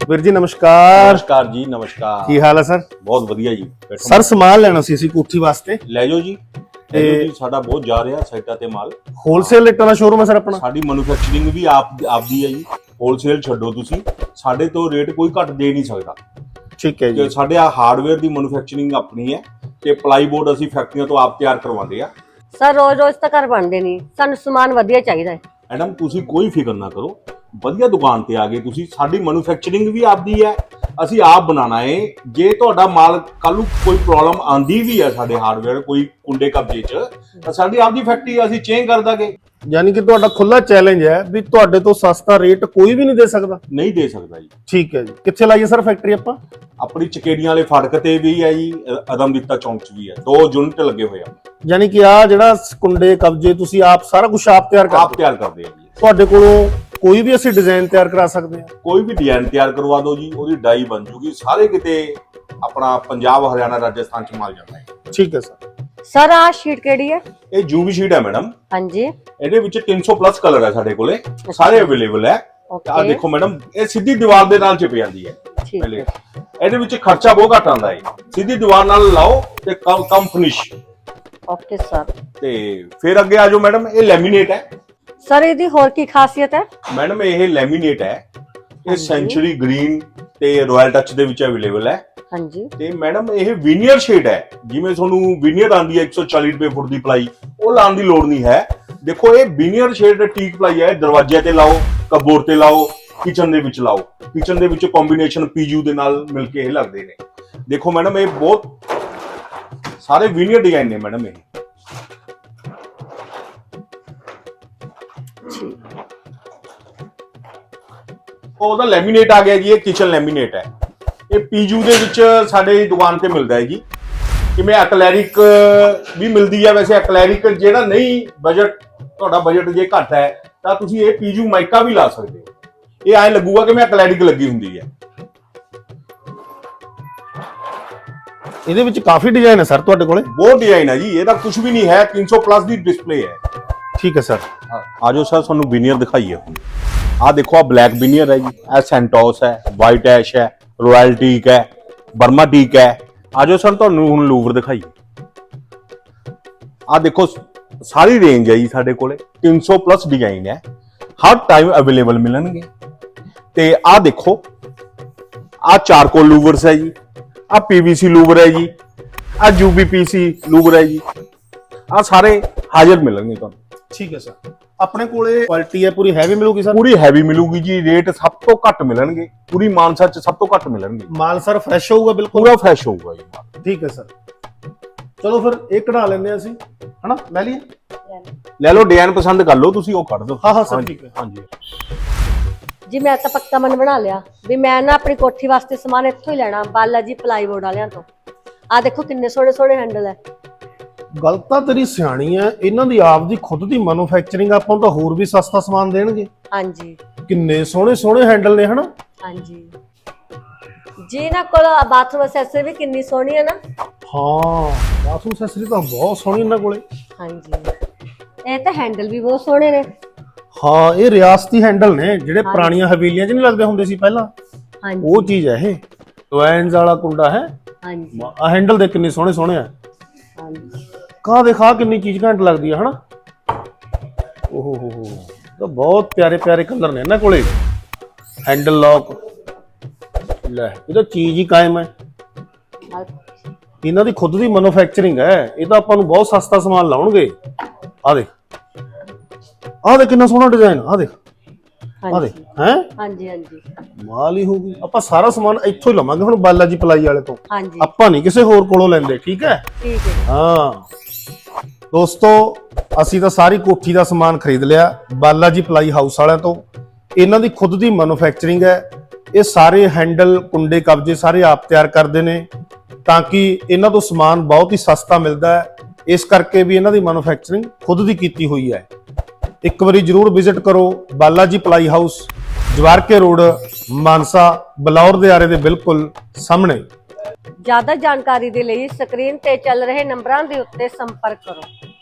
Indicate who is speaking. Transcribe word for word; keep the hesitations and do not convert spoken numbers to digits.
Speaker 1: ਵੀਰ ਜੀ ਨਮਸਕਾਰ।
Speaker 2: ਨਮਸਕਾਰ ਜੀ, ਨਮਸਕਾਰ।
Speaker 1: ਕੀ ਹਾਲ ਹੈ ਸਰ?
Speaker 2: ਬਹੁਤ ਵਧੀਆ ਜੀ।
Speaker 1: ਸਰ ਸਮਾਨ ਲੈਣਾ ਸੀ ਅਸੀਂ ਕੋਠੀ ਵਾਸਤੇ।
Speaker 2: ਲੈ ਜਾਓ ਜੀ, ਲੈ ਜਾਓ ਜੀ। ਸਾਡਾ ਬਹੁਤ ਜਾ ਰਿਹਾ ਸਾਈਟਾਂ ਤੇ ਮਾਲ।
Speaker 1: ਹੋਲਸੇਲ ਰੇਟਾਂ ਦਾ ਸ਼ੋਰੂਮ ਹੈ ਸਰ ਆਪਣਾ।
Speaker 2: ਸਾਡੀ ਮੈਨੂਫੈਕਚਰਿੰਗ ਵੀ ਆਪ ਆਪਦੀ ਹੈ ਜੀ। ਹੋਲਸੇਲ ਛੱਡੋ ਤੁਸੀਂ, ਸਾਡੇ ਤੋਂ ਰੇਟ ਕੋਈ ਘੱਟ ਦੇ ਨਹੀਂ ਸਕਦਾ।
Speaker 1: ਠੀਕ ਹੈ ਜੀ।
Speaker 2: ਸਾਡੇ ਆ ਹਾਰਡਵੇਅਰ ਦੀ ਮੈਨੂਫੈਕਚਰਿੰਗ ਆਪਣੀ ਹੈ ਤੇ ਪਲਾਈ ਬੋਰਡ ਅਸੀਂ ਫੈਕਟਰੀਆਂ ਤੋਂ ਆਪ ਤਿਆਰ ਕਰਵਾਉਂਦੇ ਆ।
Speaker 3: ਸਰ ਰੋਜ਼ ਰੋਜ਼ ਤਾਂ ਘਰ ਬਣਦੇ ਨਹੀਂ, ਸਾਨੂੰ ਸਮਾਨ ਵਧੀਆ ਚਾਹੀਦਾ ਹੈ।
Speaker 2: ਮੈਡਮ ਤੁਸੀਂ ਕੋਈ ਫਿਕਰ ਨਾ ਕਰੋ, ਵਧੀਆ ਦੁਕਾਨ ਤੇ ਆ ਗਏ ਤੁਸੀਂ। ਸਾਡੀ ਮੈਨੂਫੈਕਚਰਿੰਗ ਵੀ ਆਪਦੀ ਹੈ, ਅਸੀਂ ਆਪ ਬਣਾਉਣਾ ਹੈ। ਜੇ ਤੁਹਾਡਾ ਮਾਲ ਕੱਲ ਨੂੰ ਕੋਈ ਪ੍ਰੋਬਲਮ ਆਂਦੀ ਵੀ ਹੈ ਸਾਡੇ ਹਾਰਡਵੇਅਰ ਕੋਈ ਕੁੰਡੇ ਕਬਜੇ 'ਚ, ਤਾਂ ਸਾਡੀ ਆਪਦੀ ਫੈਕਟਰੀ ਅਸੀਂ ਚੇਂਜ ਕਰ ਦਾਂਗੇ।
Speaker 1: ਯਾਨੀ ਕਿ ਤੁਹਾਡਾ ਖੁੱਲਾ ਚੈਲੰਜ ਹੈ ਵੀ ਤੁਹਾਡੇ ਤੋਂ ਸਸਤਾ ਰੇਟ ਕੋਈ ਵੀ ਨਹੀਂ ਦੇ ਸਕਦਾ।
Speaker 2: ਨਹੀਂ ਦੇ ਸਕਦਾ ਜੀ।
Speaker 1: ਠੀਕ ਹੈ ਜੀ। ਕਿੱਥੇ ਲਾਈਏ ਸਰ ਫੈਕਟਰੀ ਆਪਾਂ?
Speaker 2: ਆਪਣੀ ਚਕੇੜੀਆਂ ਵਾਲੇ ਫਾਟਕ ਤੇ ਵੀ ਹੈ ਜੀ, ਅਦਮਦਿੱਤਾ ਚੌਂਕ 'ਚ ਵੀ ਹੈ। ਦੋ ਯੂਨਿਟ ਲੱਗੇ ਹੋਏ ਆ।
Speaker 1: ਯਾਨੀ ਕਿ ਆ ਜਿਹੜਾ ਕੁੰਡੇ ਕਬਜੇ ਤੁਸੀਂ ਆਪ ਸਾਰਾ ਕੁਝ ਆਪ ਤਿਆਰ ਕਰਦੇ?
Speaker 2: ਆਪ ਤਿਆਰ ਕਰਦੇ ਆ ਜੀ।
Speaker 1: ਤੁਹਾਡੇ ਕੋਲੋਂ ਕੋਈ ਵੀ ਅਸੀਂ ਡਿਜ਼ਾਈਨ ਤਿਆਰ ਕਰਾ ਸਕਦੇ ਹਾਂ? ਕੋਈ
Speaker 2: ਵੀ ਡਿਜ਼ਾਈਨ ਤਿਆਰ ਕਰਵਾ ਦਿਓ ਜੀ, ਉਹਦੀ ਡਾਈ ਬਣ ਜੂਗੀ। ਸਾਰੇ ਕਿਤੇ ਆਪਣਾ ਪੰਜਾਬ, ਹਰਿਆਣਾ, ਰਾਜਸਥਾਨ 'ਚ ਮਾਲ ਜਾਂਦਾ ਹੈ। ਠੀਕ ਹੈ ਸਰ।
Speaker 3: ਸਰ ਆਹ ਸ਼ੀਟ ਕਿਹੜੀ ਹੈ?
Speaker 2: ਇਹ ਜੂਵੀ ਸ਼ੀਟ ਹੈ ਮੈਡਮ।
Speaker 3: ਹਾਂਜੀ।
Speaker 2: ਇਹਦੇ ਵਿੱਚ ਤਿੰਨ ਸੌ ਪਲੱਸ ਕਲਰ ਹੈ ਸਾਡੇ ਕੋਲੇ, ਸਾਰੇ ਅਵੇਲੇਬਲ ਹੈ। ਆ ਦੇਖੋ ਮੈਡਮ, ਇਹ ਸਿੱਧੀ ਦੀਵਾਰ ਦੇ ਨਾਲ ਚਿਪ ਜਾਂਦੀ ਹੈ। ਪਹਿਲੇ ਇਹਦੇ ਵਿੱਚ ਖਰਚਾ ਬਹੁਤ ਘੱਟ ਆਉਂਦਾ ਹੈ। ਸਿੱਧੀ ਦੀਵਾਰ ਨਾਲ ਲਾਓ ਤੇ ਕਮ ਕਮ ਫਿਨਿਸ਼।
Speaker 3: Okay sir.
Speaker 2: ਤੇ ਫਿਰ ਅੱਗੇ ਆ ਜਾਓ ਮੈਡਮ, ਇਹ ਲੈਮੀਨੇਟ ਹੈ।
Speaker 3: ਸਰ ਇਹਦੀ ਹੋਰ ਕੀ ਖਾਸੀਅਤ ਹੈ?
Speaker 2: ਮੈਡਮ ਇਹ ਲੈਮੀਨੇਟ ਹੈ, ਇਹ ਸੈਂਚੁਰੀ ਗ੍ਰੀਨ ਤੇ ਰਾਇਲ ਟੱਚ ਦੇ ਵਿੱਚ ਅਵੇਲੇਬਲ ਹੈ।
Speaker 3: ਹਾਂਜੀ। ਤੇ
Speaker 2: ਮੈਡਮ ਇਹ ਵੀਨੀਅਰ ਸ਼ੇਡ ਹੈ। ਜਿਵੇਂ ਤੁਹਾਨੂੰ ਵੀਨੀਅਰ ਆਂਦੀ ਹੈ ਇੱਕ ਸੌ ਚਾਲੀ ਰੁਪਏ ਫੁੱਟ ਦੀ ਪਲਾਈ, ਉਹ ਲਾਉਣ ਦੀ ਲੋੜ ਨਹੀਂ ਹੈ। ਦੇਖੋ ਇਹ ਵੀਨੀਅਰ ਸ਼ੇਡ ਟੀਕ ਪਲਾਈ ਹੈ। ਦਰਵਾਜ਼ੇ ਤੇ ਲਾਓ, ਕਬੋਰਡ ਤੇ ਲਾਓ, ਕਿਚਨ ਦੇ ਵਿੱਚ ਲਾਓ। ਕਿਚਨ ਦੇ ਵਿੱਚ ਕੰਬੀਨੇਸ਼ਨ ਪੀਯੂ ਦੇ ਨਾਲ ਮਿਲ ਕੇ ਇਹ ਲੱਗਦੇ ਨੇ। ਦੇਖੋ ਮੈਡਮ ਇਹ ਬਹੁਤ ਸਾਰੇ ਵੀਨੀਅਰ ਡਿਜ਼ਾਈਨ ਨੇ ਮੈਡਮ। ਇਹ ਉਹਦਾ ਲੈਮੀਨੇਟ ਆ ਗਿਆ ਜੀ। ਇਹ ਕਿਚਨ ਲੈਮੀਨੇਟ ਹੈ। ਇਹ ਪੀਯੂ ਦੇ ਵਿੱਚ ਸਾਡੇ ਦੁਕਾਨ ਤੇ ਮਿਲਦਾ ਹੈ ਜੀ। ਕਿਵੇਂ ਐਕਲੈਰਿਕ ਵੀ ਮਿਲਦੀ ਹੈ। ਵੈਸੇ ਐਕਲੈਰਿਕ ਜਿਹੜਾ ਨਹੀਂ, ਬਜਟ ਤੁਹਾਡਾ ਬਜਟ ਜੇ ਘੱਟ ਹੈ ਤਾਂ ਤੁਸੀਂ ਇਹ ਪੀਯੂ ਮਾਈਕਾ ਵੀ ਲਾ ਸਕਦੇ ਹੋ। ਇਹ ਐਂ ਲੱਗੂਗਾ ਕਿ ਮੈਂ ਐਕਲੈਰਿਕ ਲੱਗੀ ਹੁੰਦੀ ਹੈ।
Speaker 1: ਇਹਦੇ ਵਿੱਚ ਕਾਫੀ ਡਿਜ਼ਾਈਨ ਹੈ ਸਰ ਤੁਹਾਡੇ ਕੋਲੇ?
Speaker 2: ਬਹੁਤ ਡਿਜ਼ਾਈਨ ਹੈ ਜੀ। ਇਹਦਾ ਕੁਝ ਵੀ ਨਹੀਂ ਹੈ, ਤਿੰਨ ਸੌ ਪਲੱਸ ਦੀ ਡਿਸਪਲੇ ਹੈ।
Speaker 1: ਠੀਕ ਹੈ ਸਰ।
Speaker 2: ਆ ਜਾਓ ਸਰ, ਤੁਹਾਨੂੰ ਵੀਨੀਅਰ ਦਿਖਾਈਏ। ਆ ਦੇਖੋ, ਆ ਬਲੈਕ ਵੀਨੀਅਰ ਹੈ ਜੀ। ਇਹ ਸੈਂਟੋਸ ਹੈ, ਵਾਈਟ ਐਸ਼ ਹੈ, ਰਾਇਲ ਟੀਕ ਹੈ, ਬਰਮਾ ਟੀਕ ਹੈ। ਆ ਜਾਓ ਸਰ, ਤੁਹਾਨੂੰ ਹੁਣ ਲੂਵਰ ਦਿਖਾਈਏ। ਆ ਦੇਖੋ, ਸਾਰੀ ਰੇਂਜ ਹੈ ਜੀ ਸਾਡੇ ਕੋਲੇ। ਤਿੰਨ ਸੌ ਪਲੱਸ ਡਿਜ਼ਾਈਨ ਹੈ, ਹਰ ਟਾਈਮ ਅਵੇਲੇਬਲ ਮਿਲਣਗੇ। ਤੇ ਆ ਦੇਖੋ, ਆ ਚਾਰਕੋਲ ਲੂਵਰਸ ਹੈ ਜੀ। ਆ ਪੀਵੀਸੀ ਲੂਵਰ ਹੈ ਜੀ। ਆ ਯੂਬੀਪੀਸੀ ਲੂਵਰ ਹੈ ਜੀ। ਆ ਸਾਰੇ ਹਾਜ਼ਰ ਮਿਲਣਗੇ ਤੁਹਾਨੂੰ।
Speaker 1: ਠੀਕ ਹੈ ਸਰ। ਆਪਣੇ ਕੋਲੇ ਕੁਆਲਿਟੀ ਹੈ ਪੂਰੀ ਹੈਵੀ ਮਿਲੂਗੀ ਸਰ?
Speaker 2: ਪੂਰੀ ਹੈਵੀ ਮਿਲੂਗੀ ਜੀ। ਰੇਟ ਸਭ ਤੋਂ ਘੱਟ ਮਿਲਣਗੇ, ਪੂਰੀ ਮਾਨਸਾ 'ਚ ਸਭ ਤੋਂ ਘੱਟ ਮਿਲਣਗੇ।
Speaker 1: ਮਾਲ ਸਰ ਫਰੈਸ਼ ਹੋਊਗਾ? ਬਿਲਕੁਲ
Speaker 2: ਪੂਰਾ ਫਰੈਸ਼ ਹੋਊਗਾ ਜੀ ਮਾਲ।
Speaker 1: ਠੀਕ ਹੈ ਸਰ। ਚਲੋ ਫਿਰ ਇਹ ਕਢਾ ਲੈਂਦੇ ਆ ਅਸੀਂ, ਹਨਾ? ਲੈ ਲਈਏ?
Speaker 2: ਲੈ ਲਓ, ਡਿਜ਼ਾਈਨ ਪਸੰਦ ਕਰ ਲਓ ਤੁਸੀਂ, ਉਹ ਕੱਢ ਦਿਓ।
Speaker 1: ਹਾਂ ਹਾਂ ਸਰ, ਠੀਕ ਹੈ।
Speaker 2: ਹਾਂਜੀ
Speaker 3: ਜੀ ਮੈਂ ਤਾਂ ਪੱਕਾ ਮਨ ਬਣਾ ਲਿਆ ਵੀ ਮੈਂ ਨਾ ਆਪਣੀ ਕੋਠੀ ਵਾਸਤੇ ਸਮਾਨ ਇੱਥੋਂ ਹੀ ਲੈਣਾ, ਬਾਲਾ ਜੀ ਪਲਾਈ ਬੋਰਡ ਵਾਲਿਆਂ ਤੋਂ। ਆ ਦੇਖੋ ਕਿੰਨੇ ਸੋਹਣੇ ਸੋਹਣੇ ਹੈਂਡਲ ਹੈ।
Speaker 1: ਗੱਲ ਤਾਂ ਤੇਰੀ ਸਿਆਣੀ ਹੈ। ਇਹਨਾਂ ਦੀ ਆਪ ਦੀ ਖੁਦ ਦੀ ਮੈਨੂਫੈਕਚਰਿੰਗ, ਆਪਾਂ ਨੂੰ ਤਾਂ ਹੋਰ ਵੀ ਸਸਤਾ ਸਮਾਨ ਦੇਣਗੇ। ਹਾਂਜੀ। ਕਿੰਨੇ ਸੋਹਣੇ ਸੋਹਣੇ ਹੈਂਡਲ ਨੇ, ਹਨਾ? ਹਾਂਜੀ
Speaker 3: ਜੀ। ਇਹਨਾਂ ਕੋਲ ਬਾਥਰੂਮ ਐਕਸੈਸਰੀ ਵੀ ਕਿੰਨੀ ਸੋਹਣੀ ਹੈ ਨਾ?
Speaker 1: ਹਾਂ, ਬਾਥਰੂਮ ਐਕਸੈਸਰੀ ਤਾਂ ਬਹੁਤ ਸੋਹਣੀ ਇਹਨਾਂ ਕੋਲੇ।
Speaker 3: ਹਾਂਜੀ। ਇਹ ਤਾਂ ਹੈਂਡਲ ਵੀ ਬਹੁਤ ਸੋਹਣੇ ਨੇ।
Speaker 1: ਹਾਂ, ਇਹ ਰਿਆਸਤੀ ਹੈਂਡਲ ਨੇ, ਜਿਹੜੇ ਪੁਰਾਣੀਆਂ ਹਵੇਲੀਆਂ 'ਚ ਨਹੀਂ ਲੱਗਦੇ ਹੁੰਦੇ ਸੀ ਪਹਿਲਾਂ। ਹਾਂਜੀ, ਉਹ ਚੀਜ਼ ਹੈ ਇਹ। ਟਵੈਨਸ ਵਾਲਾ ਕੁੰਡਾ ਹੈ। ਹਾਂਜੀ। ਆ ਹੈਂਡਲ ਦੇ ਕਿੰਨੇ ਸੋਹਣੇ ਸੋਹਣੇ ਆ। ਹਾਂਜੀ। ਕਾ ਦੇਖਾ ਕਿੰਨੀ ਚੀਜ਼ ਘੈਂਟ ਲੱਗਦੀ ਹੈ, ਹਨਾ? ਓਹੋ ਹੋ ਹੋ, ਤਾਂ ਬਹੁਤ ਪਿਆਰੇ ਪਿਆਰੇ ਕਲਰ ਨੇ ਇਹਨਾਂ ਕੋਲੇ। ਹੈਂਡਲ ਲੌਕ, ਲੈ ਇਹ ਤਾਂ ਚੀਜ਼ ਹੀ ਕਾਇਮ ਹੈ। ਇਹਨਾਂ ਦੀ ਖੁਦ ਦੀ ਮੈਨੂਫੈਕਚਰਿੰਗ ਹੈ। ਇਹ ਤਾਂ ਆਪਾਂ ਨੂੰ ਬਹੁਤ ਸਸਤਾ ਸਮਾਨ ਲਾਉਣਗੇ। ਆ ਦੇਖ, ਆ ਦੇਖ ਕਿੰਨਾ ਸੋਹਣਾ ਡਿਜ਼ਾਈਨ। ਆ ਦੇਖ, ਆ ਦੇਖ। ਹੈ? ਹਾਂਜੀ ਹਾਂਜੀ, ਮਾਲ ਹੀ ਹੋਊਗੀ। ਆਪਾਂ ਸਾਰਾ ਸਮਾਨ ਇੱਥੋਂ ਹੀ ਲਵਾਂਗੇ ਹੁਣ, ਬਾਲਾ ਜੀ ਪਲਾਈ ਵਾਲੇ ਤੋਂ। ਹਾਂਜੀ। ਆਪਾਂ ਨਹੀਂ ਕਿਸੇ ਹੋਰ ਕੋਲੋਂ ਲੈਂਦੇ। ਠੀਕ ਹੈ? ਠੀਕ ਹੈ। ਹਾਂ ਦੋਸਤੋ, ਅਸੀਂ ਤਾਂ ਸਾਰੀ ਕੋਠੀ ਦਾ ਸਮਾਨ ਖਰੀਦ ਲਿਆ ਬਾਲਾ ਜੀ ਪਲਾਈ ਹਾਊਸ ਵਾਲਿਆਂ ਤੋਂ। ਇਹਨਾਂ ਦੀ ਖੁਦ ਦੀ ਮੈਨੂਫੈਕਚਰਿੰਗ ਹੈ। ਇਹ ਸਾਰੇ ਹੈਂਡਲ, ਕੁੰਡੇ, ਕਬਜੇ ਸਾਰੇ ਆਪ ਤਿਆਰ ਕਰਦੇ ਨੇ, ਤਾਂ ਕਿ ਇਹਨਾਂ ਤੋਂ ਸਮਾਨ ਬਹੁਤ ਹੀ ਸਸਤਾ ਮਿਲਦਾ ਹੈ। ਇਸ ਕਰਕੇ ਵੀ ਇਹਨਾਂ ਦੀ ਮੈਨੂਫੈਕਚਰਿੰਗ ਖੁਦ ਦੀ ਕੀਤੀ ਹੋਈ ਹੈ। ਇੱਕ ਵਾਰੀ ਜਰੂਰ ਵਿਜ਼ਿਟ ਕਰੋ Bala ji ply house, Jawarke road, Mansa, Balaur ਦੇ ਆਰੇ ਦੇ ਬਿਲਕੁਲ ਸਾਹਮਣੇ।
Speaker 3: ਜ਼ਿਆਦਾ ਜਾਣਕਾਰੀ ਦੇ ਲਈ ਸਕਰੀਨ ਤੇ ਚੱਲ ਰਹੇ ਨੰਬਰਾਂ ਦੇ ਉੱਤੇ ਸੰਪਰਕ ਕਰੋ।